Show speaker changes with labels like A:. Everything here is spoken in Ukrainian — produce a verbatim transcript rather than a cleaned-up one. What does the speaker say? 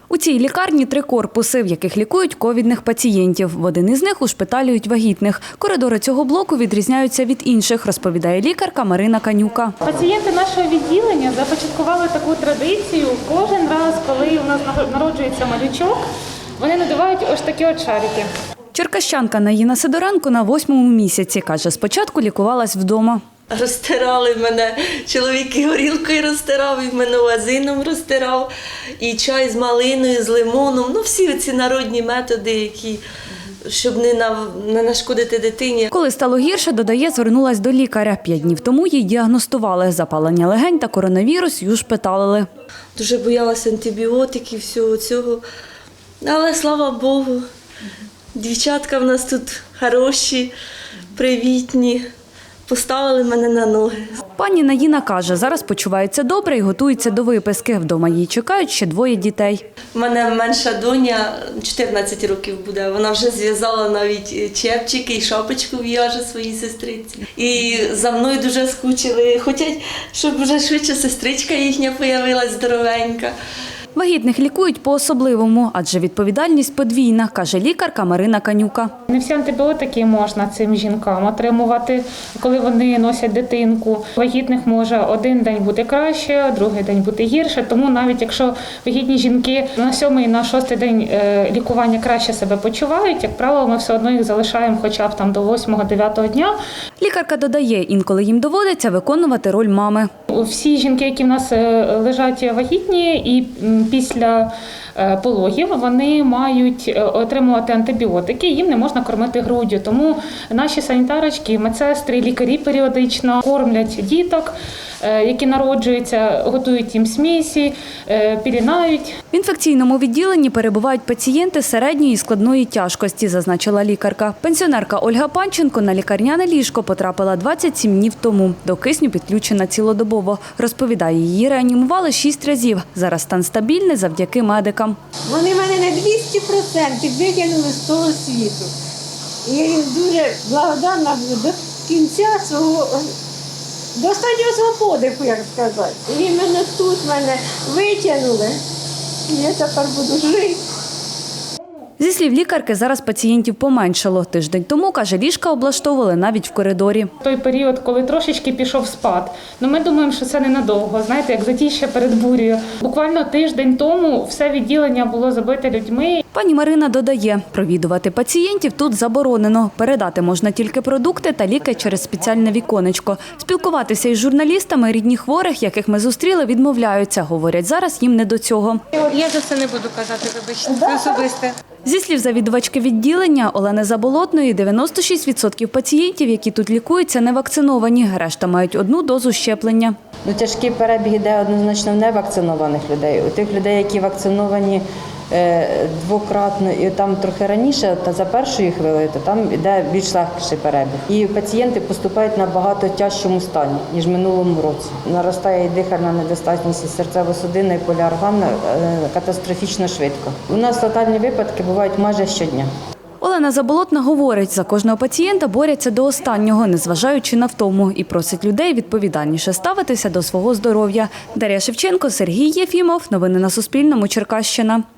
A: У цій лікарні три корпуси, в яких лікують ковідних пацієнтів. В один із них ушпиталюють вагітних. Коридори цього блоку відрізняються від інших, розповідає лікарка Марина Канюка.
B: Пацієнти нашого відділення започаткували таку традицію. Кожен раз, коли у нас народжується малючок, вони надувають ось такі от шарики.
A: Черкащанка Наїна Сидоренко на восьмому місяці. Каже, спочатку лікувалась вдома.
C: Розтирали мене, чоловік і горілкою розтирав, і мене вазином розтирав, і чай з малиною, з лимоном. Ну, всі ці народні методи, які, щоб не, на, не нашкодити дитині.
A: Коли стало гірше, додає, звернулась до лікаря. П'ять днів тому їй діагностували запалення легень та коронавірус, і ушпиталили.
C: Дуже боялася антибіотиків, всього цього. Але, слава Богу, дівчатка в нас тут хороші, привітні. Поставили мене на ноги.
A: Пані Наїна каже, зараз почувається добре і готується до виписки. Вдома її чекають ще двоє дітей.
C: У мене менша доня, чотирнадцять років буде. Вона вже зв'язала навіть чепчики і шапочку в'яже своїй сестриці. І за мною дуже скучили. Хочуть, щоб вже швидше сестричка їхня появилась здоровенька.
A: Вагітних лікують по-особливому, адже відповідальність подвійна, каже лікарка Марина Канюка.
B: Не всі антибіотики можна цим жінкам отримувати, коли вони носять дитинку. Вагітних може один день бути краще, другий день бути гірше. Тому навіть якщо вагітні жінки на сьомий, на шостий день лікування краще себе почувають, як правило, ми все одно їх залишаємо хоча б там до восьмого-дев'ятого дня.
A: Лікарка додає, інколи їм доводиться виконувати роль мами.
B: Всі жінки, які в нас лежать вагітні і після пологів, вони мають отримувати антибіотики, їм не можна кормити груддю. Тому наші санітарочки, медсестри, лікарі періодично кормлять діток, які народжуються, готують їм смісі, пілінають.
A: В інфекційному відділенні перебувають пацієнти середньої і складної тяжкості, зазначила лікарка. Пенсіонерка Ольга Панченко на лікарняне ліжко потрапила двадцять сім днів тому. До кисню підключена цілодобово. Розповідає, її реанімували шість разів. Зараз стан стабільний завдяки медикам.
D: Вони мене на двісті відсотків викинули з того світу. І я їм дуже благодарна до кінця свого, до останнього свого подиху, як сказати. І іменно тут мене витягнули, і я тепер буду жити.
A: Зі слів лікарки, зараз пацієнтів поменшало. Тиждень тому, каже, ліжка облаштовували навіть в коридорі.
B: Той період, коли трошечки пішов спад, ну ми думаємо, що це ненадовго, знаєте, як затіща перед бурею. Буквально тиждень тому все відділення було забите людьми.
A: Пані Марина додає, провідувати пацієнтів тут заборонено. Передати можна тільки продукти та ліки через спеціальне віконечко. Спілкуватися із журналістами рідні хворих, яких ми зустріли, відмовляються. Говорять, зараз їм не до цього.
E: Я за це не буду казати, вибачте, це особисте.
A: Зі слів завідувачки відділення Олени Заболотної, дев'яносто шість відсотків пацієнтів, які тут лікуються, не вакциновані. Решта мають одну дозу щеплення.
F: Ну, тяжкий перебіг йде однозначно в невакцинованих людей. У тих людей, які вакциновані е, двократно і там трохи раніше, та за першої хвилини, то там йде більш легший перебіг. І пацієнти поступають в набагато тяжчому стані, ніж в минулому році. Наростає і дихальна недостатність, і серцево-судинна, і поліорганна е, катастрофічно швидко. У нас летальні випадки бувають майже щодня.
A: Олена Заболотна говорить, за кожного пацієнта борються до останнього, незважаючи на втому, і просить людей відповідальніше ставитися до свого здоров'я. Дар'я Шевченко, Сергій Єфімов. Новини на Суспільному. Черкащина.